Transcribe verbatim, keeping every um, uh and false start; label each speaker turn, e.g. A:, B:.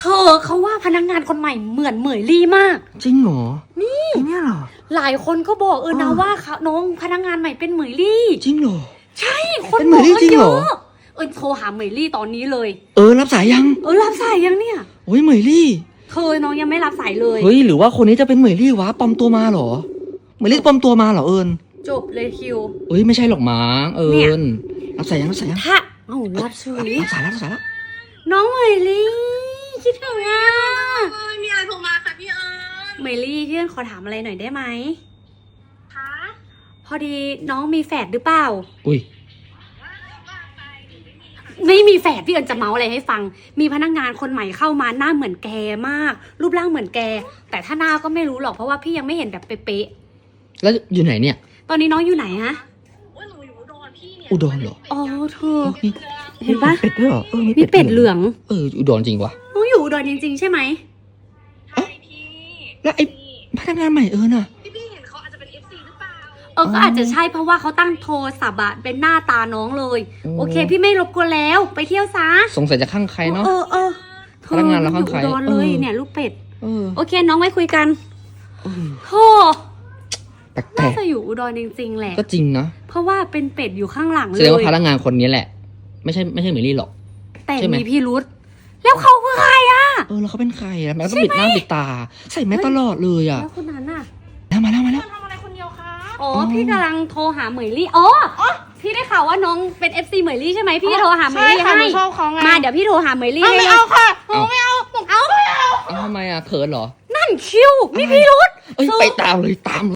A: เธอเขาว่าพนักงานคนใหม่เหมือนเหมยลี่มาก
B: จริงเหรอนี่เนี่ยเหรอ
A: หลายคนก็บอกเออนะว่าเขาน้องพนักงานใหม่เป็นเหมยลี่
B: จริงเหรอ
A: ใช่คนบอกกันเยอะเออโทรหาเหมยลี่ตอนนี้เลย
B: เออรับสายยัง
A: เออรับสายยังเนี่ย
B: โอ้ยเหมยลี่
A: เธอน้องยังไม่รับสายเลย
B: เฮ้ยหรือว่าคนนี้จะเป็นเหมยลี่วะปลอมตัวมาเหรอเหมยลี่ปลอมตัวมาเหรอเอิญ
A: จบเลยคิว
B: เอ้ยไม่ใช่หรอกมั้งเอิญรับสายยังรับสายยัง
A: ถ้าเอ้ารับสาย
B: รับสายรับสายแล้ว
A: น้องเหมยลี่คิดถึงอ่ะ
C: มีอะไรโทรมาค่ะพี่เอิญ
A: เหมยลี่พี่เอิญขอถามอะไรหน่อยได้ไหม
C: คะ
A: พอดีน้องมีแฝดหรือเปล่า
B: อุ้ย
A: ไม่มีแฝดพี่เอิญจะเมาอะไรให้ฟังมีพนักงานคนใหม่เข้ามาหน้าเหมือนแกมากรูปร่างเหมือนแกแต่ถ้าหน้าก็ไม่รู้หรอกเพราะว่าพี่ยังไม่เห็นแบบเป๊ะ
B: ๆแล้วอยู่ไหนเนี่ย
A: ตอนนี้น้องอยู่ไหนฮะ
C: ว่าหนูอยู่อุดรพี่เนี่ย
B: อุดรเหรอ
A: อ๋อเธอเห็นปะ
B: เป็ดด้วยเหรอเออ
A: มีเป็ดเหลือง
B: เอออุดรจริงวะ
A: น้องอยู่อุดรจริงๆใช่ไหม
C: ใช่พี่
B: แล้วไอ้พนักงานใหม่เออน่ะ
C: พี่พี่เห็นเขาอาจจะเป็น เอฟ ซี หรือเปล่า
A: เออก็อาจจะใช่เพราะว่าเขาตั้งโทรศัพท์อะเป็นหน้าตาน้องเลยโอเคพี่ไม่รบกวนแล้วไปเที่ยวซะ
B: สงสัยจะข้างใครเนาะ
A: เออเออ
B: พนักงานเราข้างใคร
A: อุดรเลยเนี่ยลูกเป็ดโอเคน้องไว้คุยกันโธ่
B: แปลก
A: น่าจะอยู่อุดรจริงๆแหละ
B: ก็จริงนะ
A: เพราะว่าเป็นเป็ดอยู่ข้างหลังเลย
B: แสดงว่าพนักงานคนนี้แหละไม่ใช่ไม่ใช่เหมยลี่หรอก
A: แต่มีพี่รุธแล้วเขาคือใครอ่ะ
B: เออแล้วเขาเป็นใครอ่ะแม่ต้องปิดหน้าปิดตาใส่แมสตลอดเลยอ่ะ
A: แล้วคนนั้นอ่ะ
B: มาแล้วมาแล้ว
C: ทำอะไรคนเดียวคะ
A: อ๋อพี่กำลังโทรหาเหมยลี่อ๋อพี่ได้ข่าวว่าน้องเป็น เอฟ ซี เหมยลี่ใช่ไหมพี่โทรหาเหมยลี่ให้มาเดี๋ยวพี่โทรหาเหมยลี่ให้
C: ไม่เอาค่ะหนูไม่เอา
A: เอา
B: ทำไมอ่ะเขินเหรอ
A: นั่นคิวมีพี่รุธ
B: เอ้ยไปตามเลยตาม